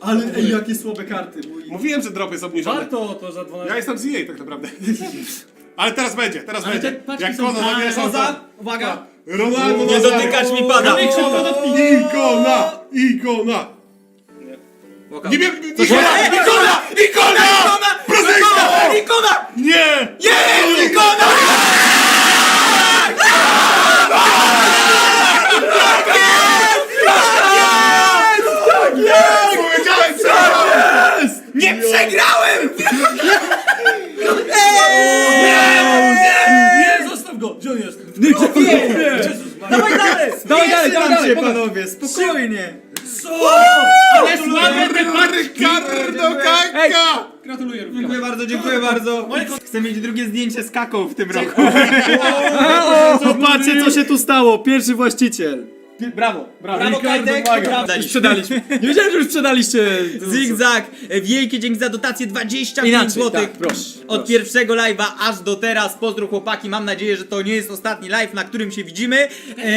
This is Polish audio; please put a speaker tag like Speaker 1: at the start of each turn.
Speaker 1: Ale ej, jakie słabe karty.
Speaker 2: Mówiłem, że drop jest obniżony.
Speaker 3: Warto to za 12.
Speaker 2: Ja jestem z EA tak naprawdę. Ale teraz będzie, teraz
Speaker 3: Ale
Speaker 2: będzie.
Speaker 3: te paczki
Speaker 2: Jak
Speaker 3: są-
Speaker 2: Kono zabierze
Speaker 1: Koza, uwaga.
Speaker 2: Ronaldo
Speaker 4: Nie
Speaker 2: Nazario.
Speaker 4: dotykać mi pada!
Speaker 2: Ikona! Ikona! Nie wiem, Ikona! Prozyjska!
Speaker 4: Ikona!
Speaker 2: Nie!
Speaker 4: Jest ikona!
Speaker 2: Powiedziałem, co jest!
Speaker 4: Nie przegrałem!
Speaker 3: Nie, zostaw go! Gdzie on jest?
Speaker 1: Dawaj dalej! Dawaj dalej,
Speaker 3: dawaj dalej,
Speaker 1: panowie, spokojnie.
Speaker 3: Co? Ale słabe te paczki!
Speaker 2: Ricardo Kaka!
Speaker 3: Gratuluję.
Speaker 1: Dziękuję bardzo. Chcę mieć drugie zdjęcie z kaką w tym roku.
Speaker 5: Popatrzcie, co się tu stało. Pierwszy właściciel.
Speaker 1: Brawo.
Speaker 4: Brawo, Kajtek! Brawo.
Speaker 5: Sprzedaliśmy. Nie wiedziałem, że już sprzedaliście.
Speaker 4: Zigzag! Wielkie dzięki za dotację 25
Speaker 5: Inaczej,
Speaker 4: zł
Speaker 5: tak, proszę,
Speaker 4: od pierwszego live'a aż do teraz. Pozdro chłopaki, mam nadzieję, że to nie jest ostatni live, na którym się widzimy.